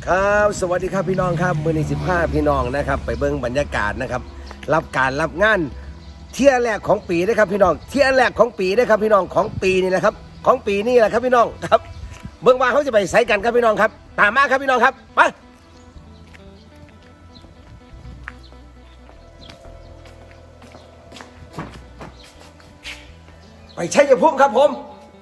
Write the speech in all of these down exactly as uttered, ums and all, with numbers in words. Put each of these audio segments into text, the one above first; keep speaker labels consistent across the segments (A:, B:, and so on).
A: ครับสวัสดีครับพี่น้องครับมือนี้สิบห้าพี่น้องนะครับไปเบิ้งบรรยากาศนะครับรับการรับงานเที่ยแรกของปีนะครับพี่น้องเที่ยแรกของปีนะครับพี่น้องของปีนี่แหละครับของปีนี่แหละครับพี่น้องครับเบิ้งว่าเขาจะไปใส่กันครับพี่น้องครับตามมาครับพี่น้องครับไปไปใช้ยภูมิครับผม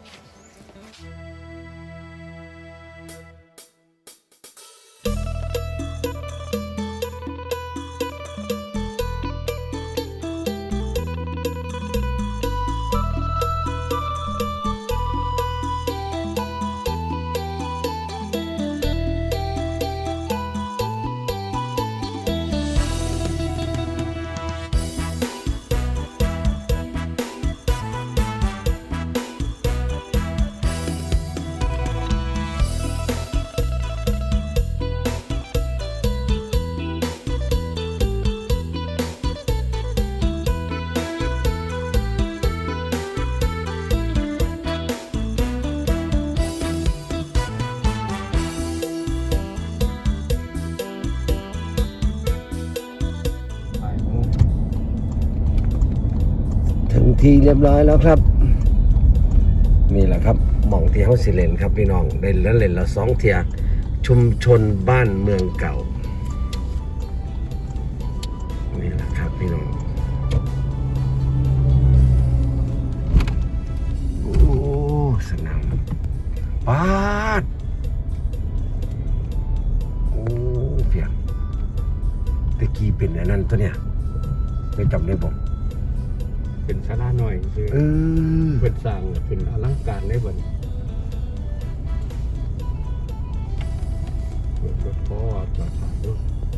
A: ถึงทีเรียบร้อยแล้วครับนี่แหละครับหม่องที่เขาสิเลนครับพี่น้องได้แล้วเล่นละสองเทียชุมชนบ้านเมืองเก่านี่แหละครับพี่น้องโอ้สนามปาดโอ้เพียงตะกี้เป็นอันนั้นตัวเนี้ยไม่จำได้ผม
B: เป็นศาลาหน่อยคือเออเป็นสร้างเป็นอลังการได้บ่เปิดรถพ่อจอดถ่ายรูป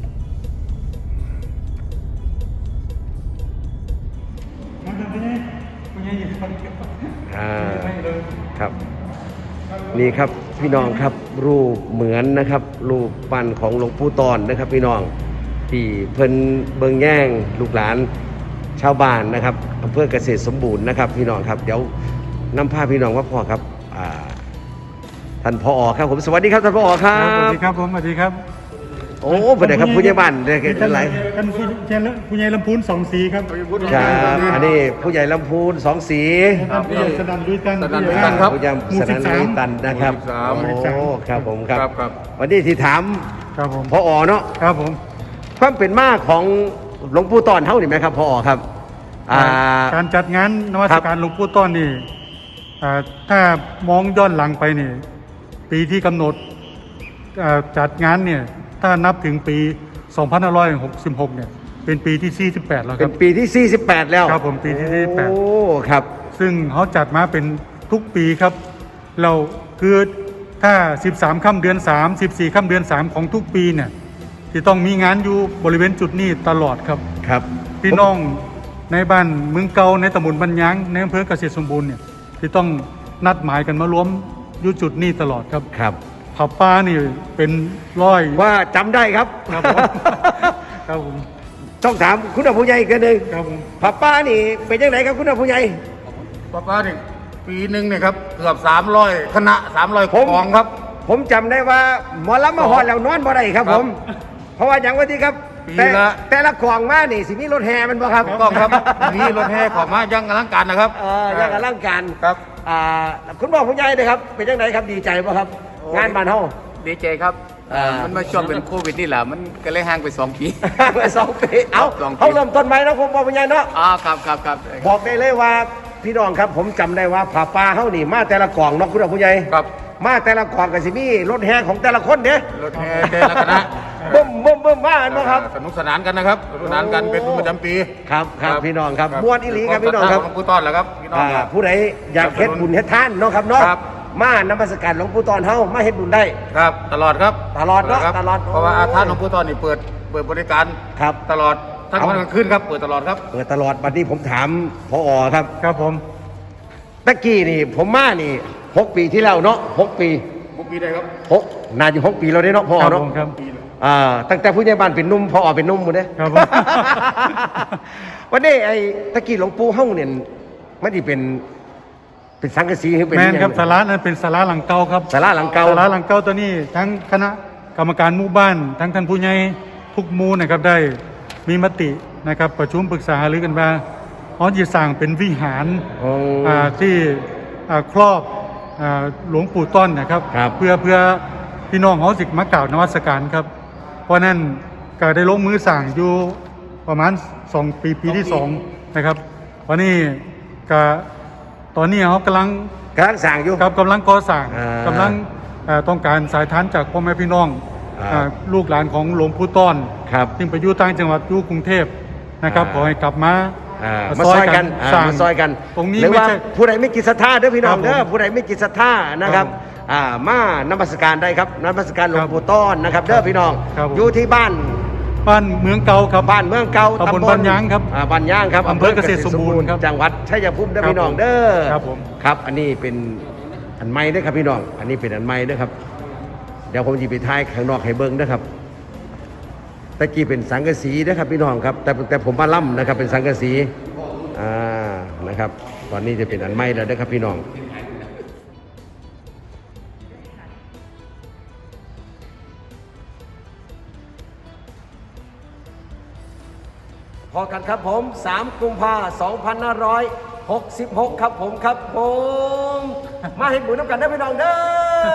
A: อ่าครับนี่ครับพี่น้องครับรูปเหมือนนะครับรูปปั้นของหลวงปู่ตอนนะครับพี่น้องที่เพิ่นเบิ่งแย่งลูกหลานชาวบ้านนะครับอำเภอเกษตรสมบูรณ์นะครับพี่น้องครับเดี๋ยวนำพาพี่น้องว่าพ่อครับท่านผอ.ครับผมสวัสดีครับท่านผอ.ครับ
C: สวัสดีครับผมสวัสดีครับ
A: โอ้เป็นไงครับผู้ใหญ่บ้านเด็กกันหลาย
C: กันผู้ใหญ่ลำพูนสองสีครับ
A: ครับอันนี้ผู้ใหญ่ลำพูนสองสี
C: ผู้ใหญ่สนันลุยตัน
B: สนันลุยตันครับ
A: ผู้ใหญ่สนันลุยตันนะครับโอ้ครับผมครับวันนี้ที่ถาม
C: ครับผม
A: ผอ.เนาะ
C: ครับผม
A: ความเป็นมาของหลวงปู่ตอนเท่านี่ไหมครับผอ.ครับ
C: การจัดงานนมัสการหลวงปู่ต้อนนี่ถ้ามองย้อนหลังไปนี่ปีที่กำหนดจัดงานเนี่ยถ้านับถึงปีสองพันห้าร้อยหกสิบหกเนี่ยเป็นปีที่สี่สิบแปดแล้วครับ
A: เป็นปีที่สี่สิบแปดแล้ว
C: ครับผมปีที่สี่สิบแปด
A: โอ้ครับ
C: ซึ่งเขาจัดมาเป็นทุกปีครับเราคือถ้าสิบสามค่ำเดือนสาม สิบสี่ค่ำเดือนสามของทุกปีเนี่ยที่ต้องมีงานอยู่บริเวณจุดนี้ตลอดครับ
A: ครับ
C: พี่น้องในบ้านเมืองเก่าในตำบลบันยางในอำเภอเกษตรสมบูรณ์เนี่ยที่ต้องนัดหมายกันมารวมอยู่จุดนี้ตลอดครับ
A: ครับ
C: ผับป้านี่เป็นร้อย
A: ว่าจำได้ครับ
C: ครับผมครับผม
A: ต้องถามคุณผู้ใหญ่กันหนึ่ง
C: ครับผม
A: ผับป้านี่เป็นยังไงครับคุณผู้ใหญ่
B: ผับป้านี่ปีหนึ่งเนี่ยครับเกือบสามร้อยคณะสามร้อยกองครับ
A: ผมจำได้ว่าหมอลำมาหอดแล้วนอนบ่ได้ครับผมเพราะว่าอย่างว่าที่ครับแต่แต่ละกล่องมานี่สิมีรถแห่มันบ่ครับ
B: กล่องครับมีรถแห่ของมายังอลังการนะครับ
A: เออยังอลังการ
B: ครับ
A: อ่าคุณบอกผู้ใหญ่เลยครับเป็นยังไงครับดีใจป่ะครับงานบ้านเฮา
B: ดีใจครับมันมาช่วงเป็นโควิดนี่แหละมันก็เลยห่างไปสองปี
A: ห่างไปสองปีเอาเขาเริ่มต้นใหม่แล้วผมบอกผู้ใหญ่เนาะ
B: อ๋อครับครับครับ
A: บอกได้เลยว่าพี่น้องครับผมจำได้ว่าผาป่าเฮานี่มาแต่ละกล่องเนาะคุณผู้ใหญ่
B: ครับ
A: มาแต่ละกล่องก็สิมีรถแห่ของแต่ละคนเด้
B: รถแห่แต่ละคณะ
A: บึ้มบึ้มบึ้มว่ากันนะครับ
B: สนุกสนานกันนะครับสนุกสนานกันเป็นประจำปี
A: ครับครับพี่น้องครับม้วนอีหลีครับพี่น้องครับ
B: หลวงปู่ตอนแหละครับพี่น้อง
A: ผู้ใดอยากเฮ็ดบุญเฮ็ดทานเนาะครับเนาะมานมัสการหลวงปู่ตอนเฮามาเฮ็ดบุญได้
B: ครับตลอดครับ
A: ตลอดเนาะตลอด
B: เพราะว่าท่านหลวงปู่ตอนนี่เปิดเปิดบริการ
A: ครับ
B: ตลอดทั้งวันกลางคืนครับเปิดตลอดครับ
A: เปิดตลอดบัดนี้ผมถามผอ.ครับ
C: ครับผม
A: ตะกี้นี่ผมมานี่หกปีที่แล้วเนาะหกปี
B: หกปีได้ครับ
A: หกน่าจะหกปีเราได้เนาะผอ.เนาะ
C: ครับ
A: อ่าตั้งแต่ผู้ใหญ่บ้านเป็นนุ่มผอ.เป็นนุ่มหมดเด้
C: ครับ
A: วันนี้ไอ้ตะกี้หลวงปู่เฮาเนี่ยมันสิเป็นเป็นสังกะสีหรือเป็น
C: แม่นครับศาลานั้นเป็นศาลาหลังเก่าครับ
A: ศาลาหลังเก่า
C: ศาลาหลังเก่าตัวนี้ทั้งคณะกรรมการหมู่บ้านทั้งท่านผู้ใหญ่ทุกหมู่นะครับได้มีมตินะครับประชุมปรึกษาหารือกันว่าเขาจะสร้างเป็นวิหาร
A: โอ้
C: อ่าที่อ่าครอบอ่าหลวงปู่ต้นนะครับ
A: ครับ
C: เพื่อเพื่อพี่น้องเขาสิมากล่าวนมัสการครับ เพราะนั้นก็ได้ลงมือสั่งอยู่ประมาณสองปีปีที่สองนะครับวันนี้ก็ตอนนี้เขากำลัง
A: กำลังสั่งอยู่
C: ครับกำลังก่อสร้าง
A: อ่าก
C: ำลังเอ่อต้องการสายทานจากพ่อแม่พี่น้อง
A: อ่า
C: อ่าลูกหลานของหลวงปู่ต้น
A: ครับ
C: ซึ่งไปอยู่ต่างจังหวัดอยู่กรุงเทพนะครับ
A: อ่า
C: ขอให้กลับมา
A: อ่า
C: มา
A: มาซอยกันอ่า
C: สร้าง
A: มาซอยกัน
C: ตรงนี้
A: หรือ
C: ไม่
A: ว่า
C: ใช่
A: ผู้ใดไม่กินศรัทธาเด้อพี่น้อง
C: ครับผม
A: เด้อผู้ใดไม่กินศรัทธานะครับ
C: ครับผม
A: อ่ามานมัสการได้ครับนมัสการหลว
C: ค
A: ง
C: รับ
A: ปู่ต้นนะครับเด้อพี่น้อง
C: ครับผม
A: อยู่ที่บ้าน
C: บ้านเมืองเก่าครับ
A: บ้านเมืองเก่า
C: ตำบลบ้านยางครับ
A: อ่าบ้านยางครับ
C: อำเภอเกษตรสมบูรณ์ครับ
A: จังหวัดชัยภูมิเด้อ
C: ครับ
A: พี่น้องเด้อ
C: ครับผม
A: ครับอันนี้เป็นอันไม้เด้อครับพี่น้อง อันนี้เป็นอันไม้เด้อครับ เดี๋ยวผมจะไปท้ายข้างนอกให้เบิ้งนะครับตะกี้เป็นสังกะสีนะครับพี่น้องครับ แต่แต่ผมมาล่ำนะครับเป็นสังกะสีอ่านะครับ ตอนนี้จะเป็นอันไม้แล้วนะครับพี่น้อง พอกันครับผมสามกุมภาพันธ์สองพันห้าร้อยหกสิบหกครับผมครับผม มาเห็นหมูน้ำกันได้อพี่น้องเด้อ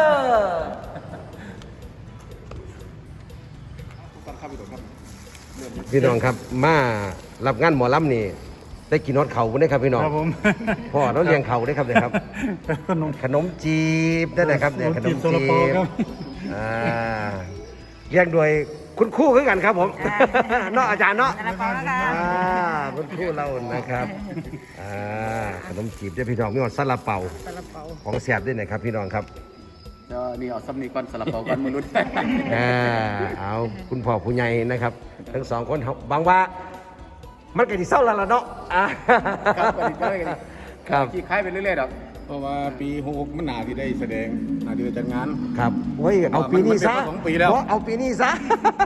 A: พี่น้องครับมารับงานหมอลำนี่ได้กินนอดเข่าได้ครับพี่น้อง
C: ครับผม
A: พ่อเราเลี้ยงเข่าได้ครับเนี่ยครับ
C: ขนม
A: ขนมจีบได้ไหนครับเนี่ยข
C: ข
A: น
C: น
A: ม
C: มจี
A: จี
C: บซาลาเปาครับ
A: บอ่าเลี้ยงโดยคุณครู่คือกันครับผม เนาะอาจารย์เนาะ
D: ซาลาเปาแล้วกัน
A: อ่าคุณครู่เรานะครับอ่าขนมจีบได้พี่น้องมีหอดซาลาเปา
D: ซาลาเปา
A: ของแสบด้วยนะครับพี่น้องครับ
B: เดี๋ยวนี่เอาซ้ำนี่ก่อนสลับเปาก่อนมนุษย์
A: อ่าเอาคุณพ่อผู้ใหญ่นะครับ ทั้งสองคนเขาบางว่า มันก็ดีเศร้าแล้วล่ะเนาะอ่า
B: ครับสวัสดีครับ
A: ครับ
B: ขี่คล้ายไปเรื่อยๆดอกเพราะว่าปีหกหกมันหนาที่ได้แสดงหนาที่ได้จัดงาน
A: ครับเฮ้ยเอาปีนี้ซะ
B: มันเป็นมาสองปีแล้ว
A: เพราะเอาปีนี้ซะ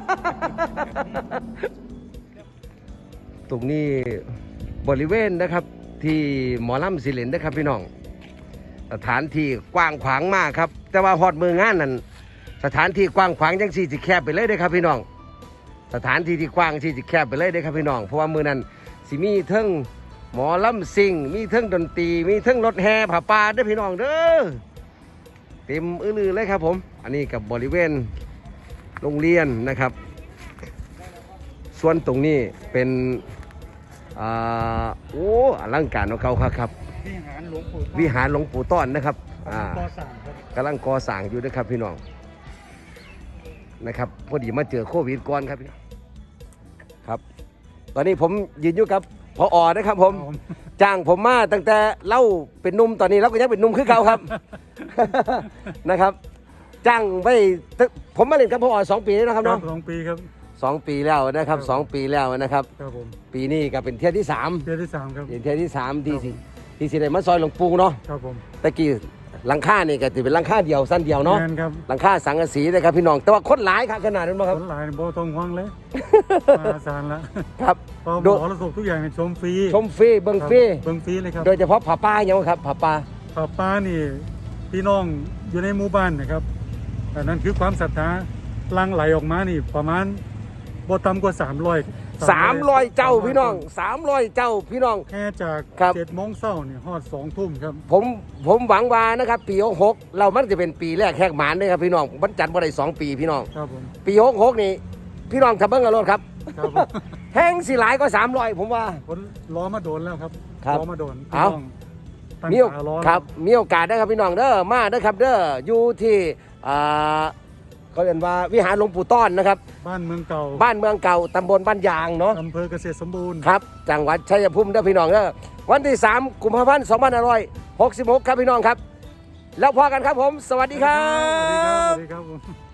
A: ตรงนี้บริเวณนะครับที่หมอลำสิเลนนะครับพี่น้องสถานที่กว้างขวางมากครับ แต่ว่าฮอดมืองานนั้นสถานที่กว้างขวางจังสี่สิแคบไปเลยเด้อครับพี่น้อง สถานที่ที่กว้างที่สิแคบไปเลยเด้อครับพี่น้องเพราะว่ามือนั้นสิมีเทิงหมอลำซิงมีเทิงดนตรีมีเทิงรถแห่ผ่าป่าเด้อพี่น้องเด้อเต็มอื้อลือเลยครับผม อันนี้กับบริเวณโรงเรียนนะครับ ส่วนตรงนี้เป็นอ่าโอ้อลังการของเขาครับครับ
C: วิหารหลวงปู่
A: วิหารหลวงปู่ต้อนนะครับอ่า
C: ก่อสร้างครับ
A: กำลังก่อสร้างอยู่นะครับพี่น้องนะครับพอดีมาเจอโควิดก่อนครับพี่น้องครับ ตอนนี้ผมยืนอยู่กับพออนะครับผม
C: ครับผม
A: จ้างผมมาตั้งแต่เล่าเป็นหนุ่มตอนนี้เราก็ยังเป็นหนุ่มคือเก่าครับ นะครับ จ้างไปตั้งผมมาเล่นกับพออสองปีแล้วนะครับ
C: ครั
A: เนาะ
C: บสองปีครับ
A: สองปีแล้วนะครับสองปีแล้วนะครับ
C: ครับผม
A: ปีนี้ก็เป็นเที่ยวที่สาม
C: เดือนที่สามครับ
A: เป็นเที่ยวที่สามที่สิที่สิได้มาซอยหลวงปู่เนาะ
C: ครับผม
A: ตะกี้หลังคานี่ก็ถือเป็นหลังคาเดียวสั้นเดียวเนาะ
C: แมนครับ
A: หลังคาสังกะสีนะครับพี่น้องแต่ว่าคนหลายครับขนาดนั้นบ่ค
C: ครับ นหลายโบตรงห้อง เลยมาสารละ
A: ครับ
C: พอหม
A: ดู
C: อระสบทุกอย่างในชมฟรี
A: ชมฟรีเบิ่งฟรี
C: เบิ้งฟรีเลยครับ
A: โดยเฉพาะผาป้าอย่างครับผาป้า
C: ป้าป้านี่พี่น้องอยู่ในหมู่บ้านนะครับแต่นั่นคือความศรัทธาหลังไหลออกมานี่ประมาณบ่ต่ำกว่าสามร้อย
A: สามร้อยเจ้าพี่น้องสามร้อยเจ้าพี่น้อง
C: แค่จาก
A: ครับ
C: เจ็ดโมงเช้านี่ฮอดสองทุ่มครับ
A: ผมผมหวังว่านะครับปีหกหกเรามันจะเป็นปีแรกแหกหมานเลยครับพี่น้องมันจัดมาได้สองปีพี่น้อง
C: ครับผม
A: ปีหกหกนี่พี่น้องขับเบิ้งกันรถครับ
C: ครับผม
A: แห้งสิหลายก็สามร้อยผมว่า
C: คนล้อมาโดนแล้วครับ
A: ครับ
C: ล้อมาโดน
A: เอา
C: พี่น้องตั้ง
A: มีโอ
C: ตาล้อ
A: ครับมีโอกาสได้ครับพี่น้องเด้อมาเด้อครับเด้ออยู่ที่อ่าเขาเรียกว่าวิหารหลวงปู่ต้อนนะครับ
C: บ้านเมืองเก่า
A: บ้านเมืองเก่าตำบลบ้านยางเนาะ
C: อำเภอเกษตรสมบูรณ์
A: ครับจังหวัดชัยภูมิเด้อพี่น้องเด้อวันที่สามกุมภาพันธ์สองพันห้าร้อยหกสิบหกครับพี่น้องครับ แล้วพอกันครับผม สวัสดีครั
C: สวัสดีครับ
A: บ
C: สวัสดีครับผม